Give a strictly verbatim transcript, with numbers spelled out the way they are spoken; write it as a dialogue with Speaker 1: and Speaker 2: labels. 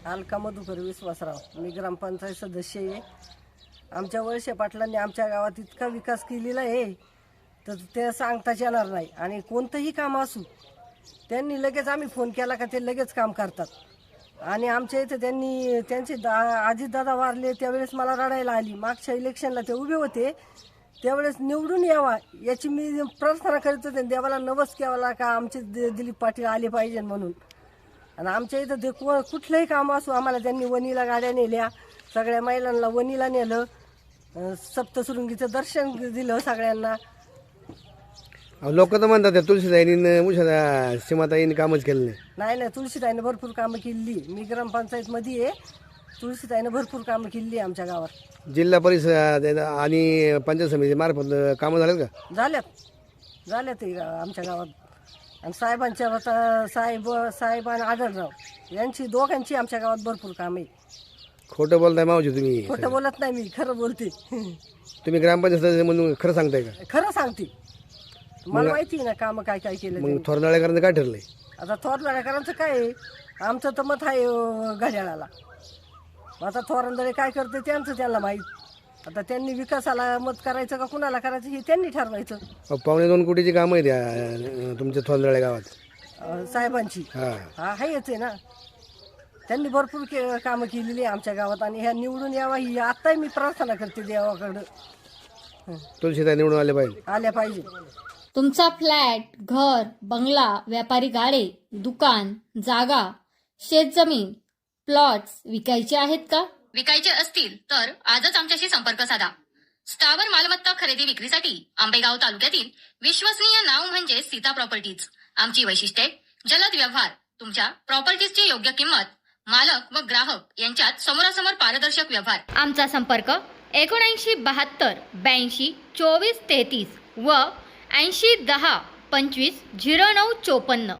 Speaker 1: अलका मधुकर विश्वासराव, मी ग्रामपंचायत सदस्य आहे. आमच्या वळसे पाटलांनी आमच्या गावात इतका विकास केलेला आहे तर ते सांगताच येणार नाही. आणि कोणतंही काम असू त्यांनी लगेच आम्ही फोन केला का ते लगेच काम करतात. आणि आमच्या इथे त्यांनी त्यांचे दा अजितदादा वारले त्यावेळेस मला रडायला आली. मागच्या इलेक्शनला ते उभे होते त्यावेळेस निवडून यावा याची मी प्रार्थना करीत होते. देवाला नवस केला का आमचे दिलीप पाटील आले पाहिजे म्हणून. आणि आमच्या इथं ते कुठलंही काम असो आम्हाला त्यांनी वणीला गाड्या नेल्या, सगळ्या महिलांना वणीला नेलं, सप्तशृंगीचं दर्शन दिलं सगळ्यांना.
Speaker 2: लोक तर म्हणतात त्या तुळशीताईंनी उषा सीमाताईंनी कामच केलं नाही.
Speaker 1: नाही नाही तुळशीताईनं भरपूर कामं केली. मी ग्रामपंचायतमध्ये आहे. तुळशीताईनं भरपूर कामं केली आमच्या गावात.
Speaker 2: जिल्हा परिषद आणि पंचायत समिती मार्फत कामं झालेत का?
Speaker 1: झाल्यात झाल्यात ते आमच्या गावात. आणि साहेबांच्या आता साहेब साहेब आणि आढळराव यांची दोघांची आमच्या गावात भरपूर काम आहे.
Speaker 2: खोटं बोलताय मावजी तुम्ही?
Speaker 1: खोटं बोलत नाही मी, खरं बोलते.
Speaker 2: तुम्ही ग्रामपंचायत सदस्य म्हणून खरं सांगताय का?
Speaker 1: खरं सांगते. मला माहिती आहे ना कामं काय काय केलं.
Speaker 2: मग थोरनाळेकरांचं काय ठरलंय?
Speaker 1: आता थोरनाळेकरांचं काय आहे, आमचं तर मत आहे अं, घड्याळाला. आता थोरंदळे काय करते त्यांचं त्यांना माहीत. आता त्यांनी विकासाला मत करायचं का कुणाला करायचं हे त्यांनी ठरवायचं.
Speaker 2: अहो, पावणे दोन कोटीची कामं आहेत या तुमच्या थोरनाळे गावात.
Speaker 1: अं, साहेबांची
Speaker 2: हा
Speaker 1: हा आहेच आहे ना. त्यांनी भरपूर के कामं केलेली आहे आमच्या गावात. आणि ह्या निवडून यावा ही आत्ताही मी प्रार्थना करते देवाकडं.
Speaker 2: तुळशीताई निवडून आले पाहिजे.
Speaker 1: आल्या पाहिजे.
Speaker 3: तुमचा फ्लॅट, घर, बंगला, व्यापारी गाडे, दुकान, जागा, शेतजमीन, प्लॉट्स विकायचे आहेत का?
Speaker 4: विकायचे असतील तर आजच आमच्याशी संपर्क साधा. स्थावर मालमत्ता खरेदी विक्रीसाठी आंबेगाव तालुक्यातील विश्वसनीय नाव म्हणजे सीता प्रॉपर्टीज. आमची वैशिष्ट्ये: जलद व्यवहार, तुमच्या प्रॉपर्टीजची योग्य किंमत, मालक व ग्राहक यांच्यात समोरासमोर पारदर्शक व्यवहार. आमचा संपर्क एकोणऐंशी बहात्तर ब्याऐंशी चोवीस तेहतीस व ऐंशी दहा पंचवीस झिरो नऊ चोपन्न.